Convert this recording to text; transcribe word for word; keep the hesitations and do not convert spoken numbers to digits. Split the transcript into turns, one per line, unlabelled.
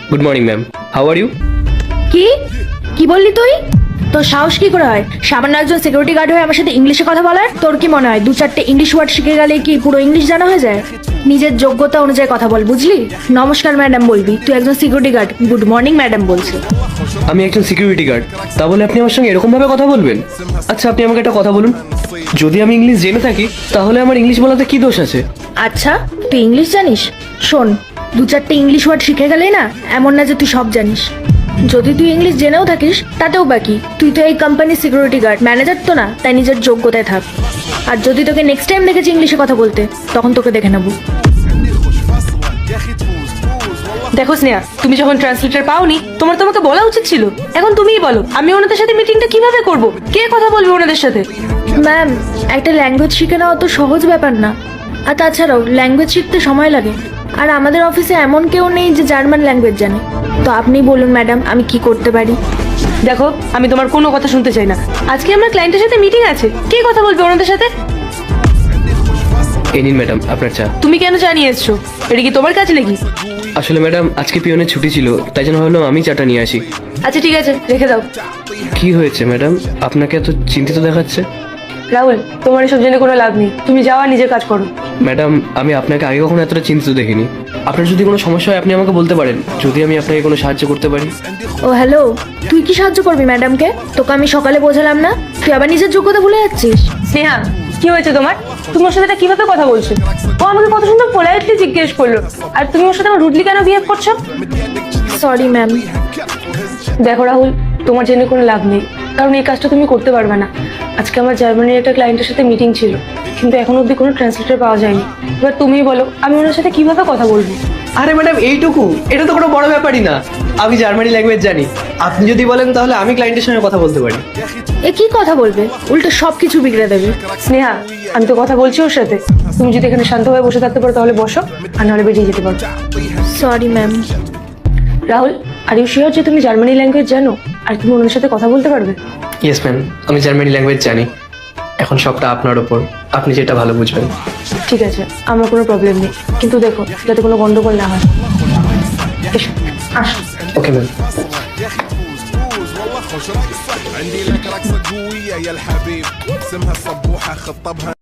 Good morning ma'am, how are you?
কি কি বললি তুই? তোর সাহস কি করে হয় সামান্য একজন সিকিউরিটি গার্ড হয়ে আমার সাথে ইংলিশে কথা বলার? তোর কি মনে হয় দু চারটে ইংলিশ ওয়ার্ড শিখে গেলে কি পুরো ইংলিশ জানা হয়ে যায়? নিজের যোগ্যতা অনুযায়ী কথা বল, বুঝলি? নমস্কার ম্যাডাম বলবি, তুই একজন security guard good morning madam বলছে।
আমি একজন সিকিউরিটি গার্ড, তা বলে আপনি আমার সঙ্গে এরকম ভাবে কথা বলবেন? আচ্ছা আপনি আমাকে একটা কথা বলুন, যদি আমি ইংলিশ জেনে থাকি তাহলে আমার ইংলিশ বলাতে কি দোষ আছে?
আচ্ছা তুই ইংলিশ জানিস? শোন, দু চারটে ইংলিশ ওয়ার্ড শিখে গেলেই না এমন না যে তুই সব জানিস। যদি তুই ইংলিশ জেনেও থাকিস তাতেও বাকি, তুই তো এই কোম্পানির সিকিউরিটি গার্ড, ম্যানেজার তো না, তাই নিজের যোগ্যতায় থাক। আর যদি তোকে নেক্সট টাইম দেখেছি ইংলিশে কথা বলতে তখন তোকে দেখে নেবো।
দেখো স্নেহা, তুমি যখন ট্রান্সলেটর পাওনি তোমার তোমাকে বলা উচিত ছিল। এখন তুমিই বলো আমি ওনাদের সাথে মিটিংটা কিভাবে করব? কে কথা বলবে ওনাদের সাথে?
ম্যাম, একটা ল্যাঙ্গুয়েজ শিখে নেওয়া তো সহজ ব্যাপার না। আর তাছাড়াও ল্যাঙ্গুয়েজ শিখতে সময় লাগে, আর আমাদের অফিসে এমন কেউ নেই যে জার্মান ল্যাঙ্গুয়েজ জানে। তো আপনি বলুন ম্যাডাম, আমি কি করতে পারি?
দেখো, আমি তোমার কোনো কথা শুনতে চাই না। আজকে আমার ক্লায়েন্টের সাথে মিটিং আছে, কে কথা বলবে ওনাদের সাথে?
এই নিন ম্যাডাম আপনার চা।
তুমি কেন চা নিয়ে এসছো? এটা কি তোমার কাজ নাকি?
আসলে ম্যাডাম আজকে পিয়নের ছুটি ছিল, তাই জন্য ভাবলাম আমি চাটা নিয়ে আসি।
আচ্ছা ঠিক আছে, রেখে দাও।
কি হয়েছে ম্যাডাম, আপনাকে এত চিন্তিত দেখাচ্ছে?
রাহুল, তোমার এসব জেনে কোনো লাভ নেই, তুমি যাও আর নিজের কাজ করো।
ম্যাডাম আমি আপনাকে আগে কখনো এতটা চিন্তিত দেখিনি। আপনার যদি কোনো সমস্যা হয় আপনি আমাকে বলতে পারেন, যদি আমি আপনাকে কোনো সাহায্য করতে পারি।
ও হ্যালো, তুই কি সাহায্য করবি ম্যাডামকে? তোকে আমি সকালে বোঝালাম না, তুই আবার নিজের যোগ্যতা ভুলে যাচ্ছিস।
স্নেহা, কি হয়েছে তোমার? তুমি ওর সাথে এটা কিভাবে কথা বলছো? ও আমাকে কত সুন্দর পোলাইটলি জিজ্ঞেস করলো, আর তুমি ওর সাথে আমার রুডলি কেন বিহেভ করছো?
Sorry ma'am.
দেখো রাহুল, তোমার জেনে কোনো লাভ নেই, কারণ এই কাজটা তুমি করতে পারবে না। আজকে আমার জার্মানির একটা ক্লায়েন্টের সাথে মিটিং ছিল, কিন্তু এখন অবধি কোনো ট্রান্সলেটর পাওয়া যায়নি। এবার তুমিই বলো আমি ওনার সাথে কিভাবে কথা বলবো?
আরে ম্যাডাম এইটুকু, এটা তো কোনো বড় ব্যাপারই না। আমি জার্মানি ল্যাঙ্গুয়েজ জানি, আপনি যদি বলেন তাহলে আমি ক্লায়েন্টের সঙ্গে কথা বলতে পারি।
এ কি কথা বলবে, উল্টো সব কিছু বিগড়ে দেবে।
স্নেহা, আমি তো কথা বলছি ওর সাথে। তুমি যদি এখানে শান্তভাবে বসে থাকতে পারো তাহলে বসো, আর নাহলে বেরিয়ে যেতে পারো।
Sorry ma'am.
Rahul, are you sure যে তুমি জার্মানি ল্যাঙ্গুয়েজ জানো আর তুমি ওনার সাথে কথা বলতে পারবে?
ইয়েস ম্যাম, আমি জার্মানি ল্যাঙ্গুয়েজ জানি। এখন সবটা আপনার ওপর, আপনি যেটা ভালো বুঝবেন।
ঠিক আছে, আমার কোনো প্রবলেম নেই, কিন্তু দেখো যাতে কোনো গন্ডগোল না হয়। এসো, আসো।
Okay ma'am.
عندي لك رقصة قوية يا الحبيب اسمها الصبوحة خطبها